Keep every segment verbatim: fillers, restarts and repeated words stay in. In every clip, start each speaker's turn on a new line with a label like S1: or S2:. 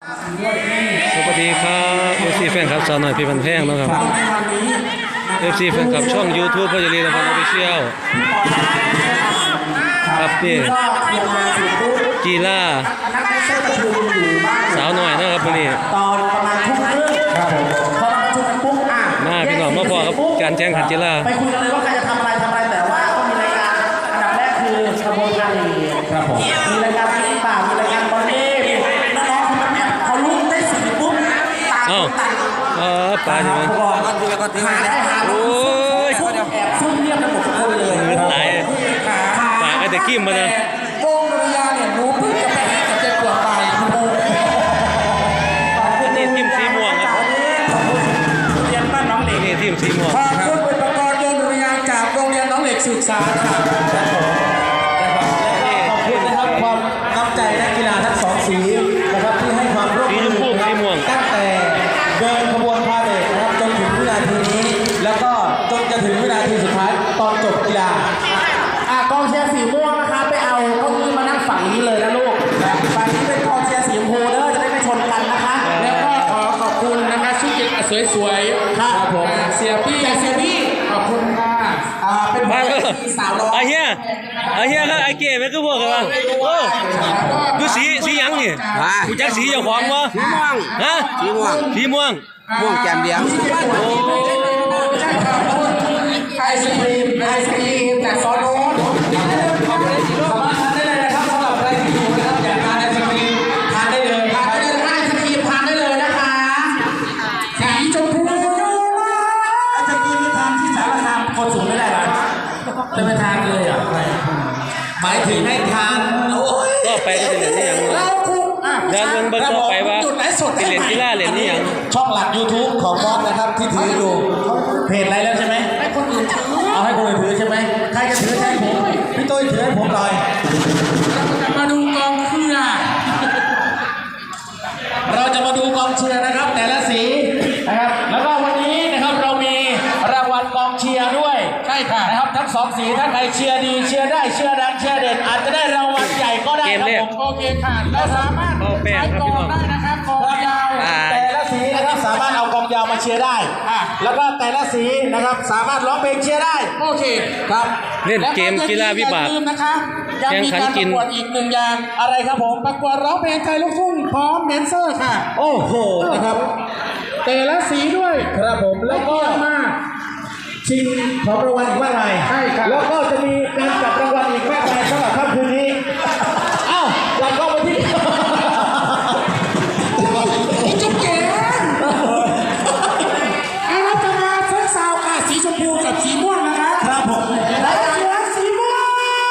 S1: สวัสดีครับเอฟซีแฟนคลับสาวหน่อยพี่พันแพงนะครับเอฟซีแฟนคลับช่อง YouTube พ่อจะรีนะครับออฟฟิเชียลครับนี่กีฬาสาวหน่อยนะครับวันนี้
S2: ตอนประมาณทุ่มครึ่งครับผมพอมาประชุมกันปุ๊บอ่ะ
S1: มาพี่น้องมาพอครับการแข่งขันกีฬา
S2: ไปคุยกันเลยว่าใครจะทำอะไรทำอะไรแต่ว่าก็มีรายการอันดับแรกคือกระบวนการลีครับผมมีรายการกีฬามีรายการบอลเล่น้องๆคนนั้นเขาลุ้นได้สุดปุ๊บตาตัด
S1: เออปลาใช่ไหม
S2: หาได้หาโอ้ยแอบซุ่มเงียบกันหมดทุกคนเลย
S1: ตายปลาไอ้แต่กิ้มมานะ
S2: วงดุริยางเนี่ยรู้เพิ่งจะไปกับเจ็บปวดไป
S1: นี่ทีมสีม่วงครับ
S2: เรียนบ้านน้องเหล็ก
S1: นี่ทีมสีม่วง
S2: ขอบคุณอุปกรณ์วงดุริยางจากโรงเรียนน้องเหล็กศึกษาค่ะขอบคุณนะครับความน้ำใจนักกีฬาทั้งสองสีนะครับที่ให้ความร่วมมือตั้งแต่เดินขบวนพาเหรดนะครับจนถึงวินาทีนี้แล้วก็จนจะถึงวินาทีสุดท้ายตอนจบกีฬาอ่ะกองเชียร์สีม่วงนะคะไปเอาเก้าอี้มานั่งฝั่งนี้เลยนะลูกฝั่งนี้เป็นกองเชียร์สีชมพูเด้อจะได้ไม่ชนกันนะคะแล้วก็ขอขอบคุณนะคะชุดเด็กสวยๆครับผมเสียพี่เสียพี่ขอบคุณค่ะอ่าเป็นสาวน้อย
S1: ไอ้เหี้ยไอ้เหี้ยก็ไอ้เก๋ไม่ก็พวกกันบ้างโอ้ดูสีสียังนี่กูจักสีเจ้าของวะ
S3: สีม่วง
S1: ฮะ
S3: สีม่วง
S1: สีม่วง
S3: ม่วงแจ่มเดียง
S1: โอ้
S2: ไอศครีมไอศครีมจากซอโน้ตสามารถทานได้เลยนะครับสำหรับใครที่อยู่นะครับอยากทานไอศครีมทานได้เลยทานได้เลยไอศครีมทานได้เลยนะคะสีชมพูไอศครีมที่ทานที่สารคามคนสูงไม่ได้หรอจะไปทานเลยอ่ะหมายถึงให้ทานโอ้ย
S1: ก็ไปก็จะเรียนนี่ยัง
S2: เราคุกอ่ะ
S1: เดินเมืองเบิ้งก็ไปว่าเรียนกีฬาเรียนนี่ยัง
S2: ช่องหลัก YouTube ของบอสนะครับที่ถืออยู่เพจอะไรแล้วใช่ไหมให้คนอื่นถือเอาให้คนอื่นถือใช่ไหมใครจะถือใช่ผมพี่ตุ้ยถือให้ผมหน่อยมาดูกองเชียร์เราจะมาดูกองเชียร์นะครับแต่ละสีนะครับแล้วก็วันนี้นะครับเรามีรางวัลกองเชียร์ด้วยใช่ค่ะนะครับทั้งสองสีถ้าใครเชียร์ดีเชียร์ได้เชียร์ดังเชียร์เด่นอาจจะได้รางวัลใหญ่ก็ได้ครับผมโอเคค่ะเราสามารถใช้กองได้นะครับกองยาวแต่ละสีนะครับสามารถเอากองยาวมาเชียร์ได้แล้วก็แต่ละสีนะครับสามารถร้องเพลงเชียร์ได้โอเคครับ
S1: เล่นเกมกีฬาวิบาก
S2: นะคะยังมีการประกวดอีกหนึ่งอย่างอะไรครับผมประกวดร้องเพลงไทยลูกทุ่งพร้อมแดนเซอร์ค่ะโอ้โหนะครับแต่ละสีด้วยครับผมแล้วก็มาชิงของรางวัลอีกมากมายใช่ครับแล้วก็จะมีการจับรางวัลอีกมากมายสำหรับค่ำคืนนี้อ้าวหลังก็มาที่จุ๊บเก๋อารัตนาเซ็กซาวค่ะสีชมพูกับสีม่วงนะคะครับผมและเสือสีม่วง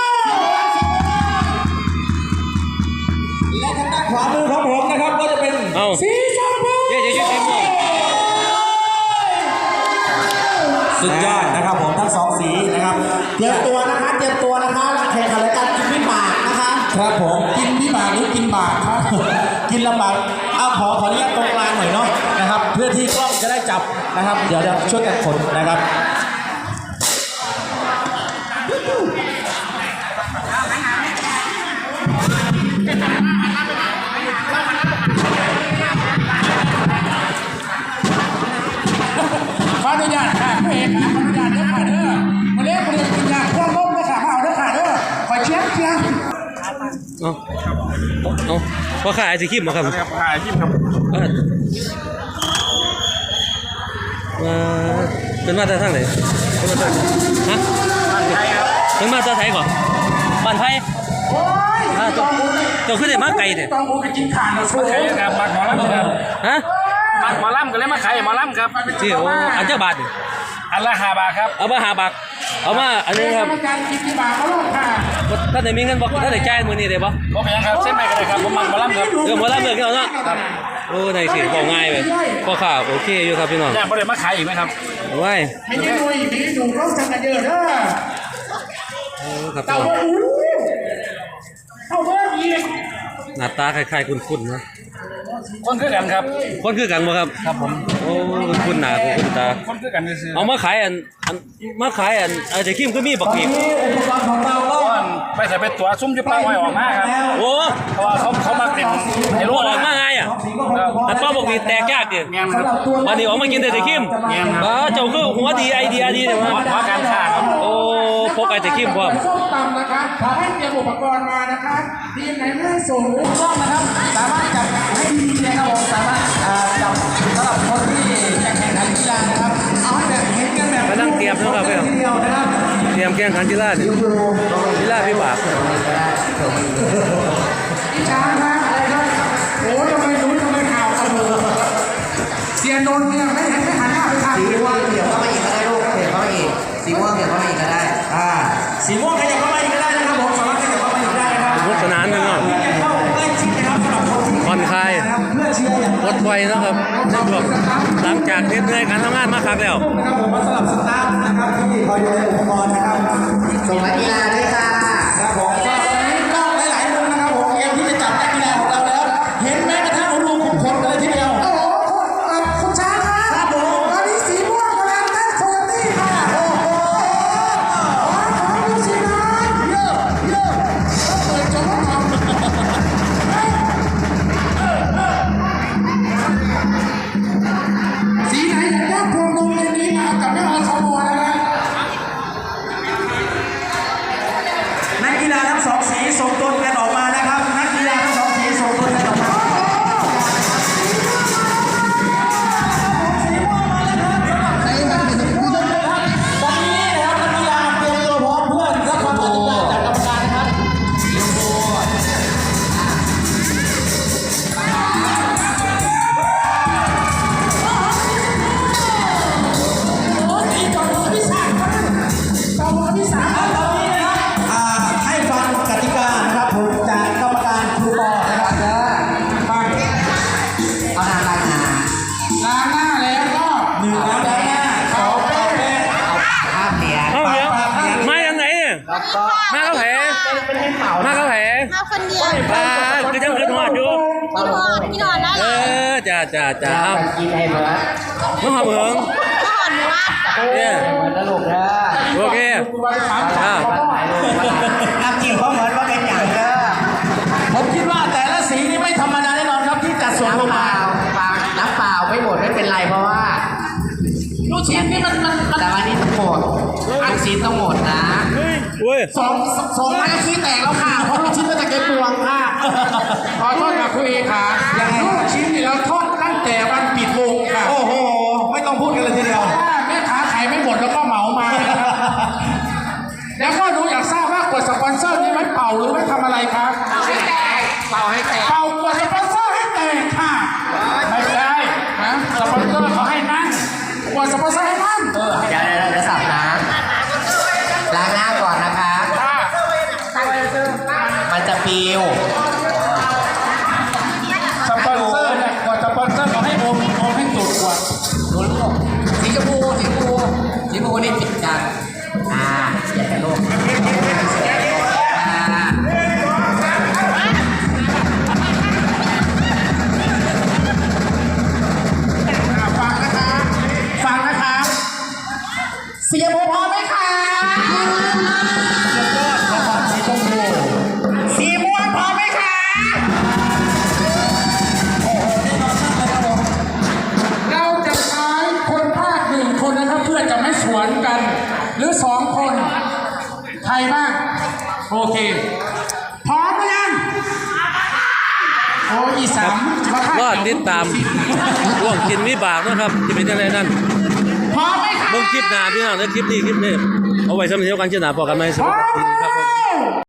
S2: และทางด้านขวามือของผมนะครับก็จะเป็นสีชมพู
S1: เย้เย้สีม่วง
S2: สุดยอดนะครับผมทั้งสองสีนะครับเตรียมตัวนะคะเตรียมตัวนะคะแข่งขันรายการกินพี่หมากนะคะครับผมกินพี่หมากหรือกินหมากครับกินลำบากเอาขอขออนุญาตตรงกลางหน่อยเนาะนะครับเพื่อที่กล้องจะได้จับนะครับเดี๋ยวจะช่วยกันขนนะครับขออนุญาตค่ะผู้เอกค่ะขออนุญาตเด้อค่ะเด้อมาเล่นมาเล่นกินยาพวกล้มเด้อค่ะมาเอาเด้อค่ะเด้อขอเชียร์เชียร์
S1: เอาเอาพอขายไอศครีมมาครับ
S3: ขายไอศครีมครับ
S1: มาเป็นมาจากทางไหนเป็นมาจากฮะเป็นมาจากไทยก่อนบ้านไทย
S2: โอ้ย
S1: เจ้าเจ้าขึ้นได้มาไกลเด้
S2: ต้องกูไปกินข่านมาช่วย
S3: ครับมักหมอลำครับ
S1: ฮะ
S3: มักหมอลำก็เลยมาขายหมอลำครับ
S1: ที่โอ้อันเจ้าบาท
S3: อันละห้าบาทครับ
S1: เอามาห้าบาทเอามาอันนี้ครับ
S2: การกินที่บาทเขาลงค่ะ
S1: ท่านไหนมีเงินบอกท่านไหนจ่ายมือนี้ได้ปะ
S3: โอเคครับเส้นไปกันเลยครับผมมักหมอลำครับ
S1: เรื่องหมอลำเรื่องเนาะโอ้ในสิบอกง่ายไปพอข่าวโอเคอยู่ครับพี่น้อง
S3: อยากประเดี๋ยวมาขายอีกไหมครับ
S1: ว้าย
S2: ไม่ได้ดูอีกไม่ได้ดูเขาจังกันเยอะเด้อ
S1: โอ้ครับ
S2: เต่าเบอร์อู้เต่าเบอร์อีก
S1: หน้าตาคล้ายๆคุ้นๆนะ
S3: คนคือกันครับ
S1: คนคือกันบ่ครับ
S3: ครับผม
S1: โอ้คุ้นหน้าคุ้นตา
S3: คนคือกันซื้อ
S1: เอามาขายอันมาขายอันไอ้เจ้าคิมก็มีบักปีก
S2: อุปกรณ์ของเราก็
S3: ไปใส่เป็นตัวซุ้มจุ๊บปลาไว้ออกมาครับ
S1: โอ้
S3: เพราะว่าเขาเขามาเป็น
S1: ไอ้รู้ออกมาไงอ่ะ
S2: องสีก็คงจะพอ
S1: อันป้าบอกมีแตกยากดิ
S3: แม่นครับ
S1: วันนี้ออกมากินแต่ไข่เค็มบ้าเจ้าคือหัวดีไอเดียดีเนี่ย
S3: เพ
S1: มั้
S3: ราะเพราะการฆ่าครับ
S1: โอ้พกไอแต่เค็มพร้อม
S4: ส้มตำนะครับขอให้เตรียมอุปกรณ์มานะคะทีมไหนไม่ให้ส่ง
S2: ถูกต้องนะครับสามารถจับให้ดีๆนะครับผมสามารถอ่าจับสำหรับคนที่จะแข่งขันกีฬานะครับเอาให้แบบเห็นกันแบบ
S1: มานั่งเตรียมนะครับเพื่อน
S2: ทีเดียวนะครับ
S1: เตรียมแข่งขันกีฬาดิกีฬาพิบาก
S4: พี่ช้างครับอะไรครับโอ้ยทำไมรู้ทำไมข่าวกันเลยเสียนนท์เนี่ยไม่เห็นไม่หันหน้าไปทาง
S5: สีม่วงเดี๋ยวเข้ามาอีกก็ได้ลูกเดี๋ยวเข้ามาอีกสีม่วงเดี๋ยวเข้ามาอีกก็ได้
S2: อ่าสีม่วงขยับเข้ามาอีกก็ได้นะครับผมสามารถขยับเข้ามาอีกได้นะครับ
S1: สนุกสนานกันเนาะ
S2: เพื่อจะเข้าใกล้ชิดนะครับสำหรับคนที่
S1: ผ่อนคลาย
S2: นะครับเพื่อเชียร์อย่าง
S1: ปลดปล่อยนะครับในช่วงหลังจากเหนื่อยการทำงานมาคักแล้ว
S2: นะครับผมมาสำหรับสตาฟนะครับที่คอยดูแลอุปกรณ์นะครับ
S5: ส่งนักกีฬาด้วยค่ะ
S2: ครับผมก็ตอนนี้กล้องหลายๆมุมนะครับผมเตรียมที่จะจับนักกีฬาของเราแล้ว เห็นแม้กระทั่งรูขุมขนกันเลยทีเดียว
S4: โอ้โหเอ่อคุณช้างครับ
S2: ครับผม
S4: ตอนนี้สีม่วงกำลังเต้นโคโยตี้ค่ะโอ้โหขอขอดูสินะเยอะเยอะต้องเปิดจอทำสีไหนอยากได้พวงดวงในนี้มากับแม่อสมนะครับ
S2: นักกีฬาทั้งสองสีส่งตัวแทนออกมานะครับ นักกีฬาทั้งสองสีส่งตัวแทนออกมาตอนนี้นะครับนักกีฬาเตรียมตัวพร้อมเพื่อรับความตัดสินใจจากกรรมการนะครับ
S4: โอ้ยต่อมือพี่สามครับต่อมือพี่สามครับ
S2: ตอนนี้นะครับอ่าให้ฟังกติกานะครับผมจากกรรมการครูปอนะครับ
S4: ไป
S5: เอานางล้างนา
S4: ล้างหน้าแล้วก็
S2: หนึ่งน้ำล้างหน้าสองแป้ง
S5: ภาพเหรียญ
S1: เอ้าเดี๋ยวมาอย่างไหนเนี่ย
S5: แล้วก็
S1: มาเข้าแผลมาเข้าแผล
S6: มาคนเดียว
S1: ปลาคือจังคือทอดอยู่
S6: พี่นอนพี่นอนแล้ว
S1: เอ
S6: เหรอ
S1: อจ้าจ้าจ้าเอา
S5: กินให้เหมือน
S1: น้องหอมเหิง
S6: พี่นอนหนูว่า
S1: เนี่ย
S5: เหมือนตลกเด้อ
S1: โอเคอ่า
S5: น้ำจิ้มเขาเหมือนว่าเป็นอย่างเด้อ
S2: ผมคิดว่าแต่ละสีนี่ไม่ธรรมดาแน่นอนครับที่จัดส่งลง
S5: น้ำเป
S2: มา
S5: ล่าเปล่าน้ำเปล่าไม่หมดไม่เป็นไรเพราะว่า
S4: ลูกชิ้นนี่มันมันมัน
S5: แต่วันนี้ต้องหมดอันซีนต้องหมดนะ
S1: เว้ย
S4: สองสองไม้ก็ขี้แตกแล้วค่ะเพราะลูกชิ้นมันจะเก็บปวงค่ะขอโทษค่ะคุณเอค่ะอย่างลูกชิ้นนี่เราทอดตั้งแต่วันปิดวงค่ะ
S2: โอ้โห ไม่ต้องพูดกันเลยทีเดียว
S4: ถ้าแม่ค้าขายไม่หมดแล้วก็เหมามานะครับแล้วก็หนูอยากทราบว่ากดสปอนเซอร์นี่ไว้เป่าหรือไว้ทำอะไรครับ
S5: เป่าให้แตกเป่าให้แตก
S4: เป่ากดสปอนเซอร์ให้แตกค่ะไม่ใช่ฮะสปอนเซอร์เขาให้นั่งกดสปอนเซอร์ให้นั่ง
S5: เดี๋ยวเดี๋ยวเราจะสับน้ำล้างหน้าก่อนนะคะ มันจะปิว
S4: สปอนเซอร์เนี่ยกดสปอนเซอร์เขาให้อมอมให้สุดกว่า
S5: ดูลูกสีชมพูสีชมพูสีชมพูนี่ติดกันอ่าอย่ากันลูกอ่า
S4: ฟังนะคะฟังนะคะเสียโมพร้อมไหมคะ
S2: สีชมพู
S4: สีม่วงพร้อมไหมคะเราจะใช้คนภาคหนึ่งคนนะครับเพื่อจะไม่สวนกัน หรือสองคนใครบ้างโอเคพร้อมหรือยังโอ้ยอีสามมาฆ่าร
S1: อดติดตามร่วงกินวิบากนะครับจะเป็นยังไงนั่น
S4: พร้อมไหมคะ
S1: เบิ่งคลิปหน้าพี่น้องแล้วคลิปนี้คลิปนี้เอาไว้สำหรับเดียวกันเจ้าหน้าพอกันไหมส
S4: พร้
S1: วั
S4: อ
S1: ส
S4: ม
S1: ดีครับผม
S4: แล้ว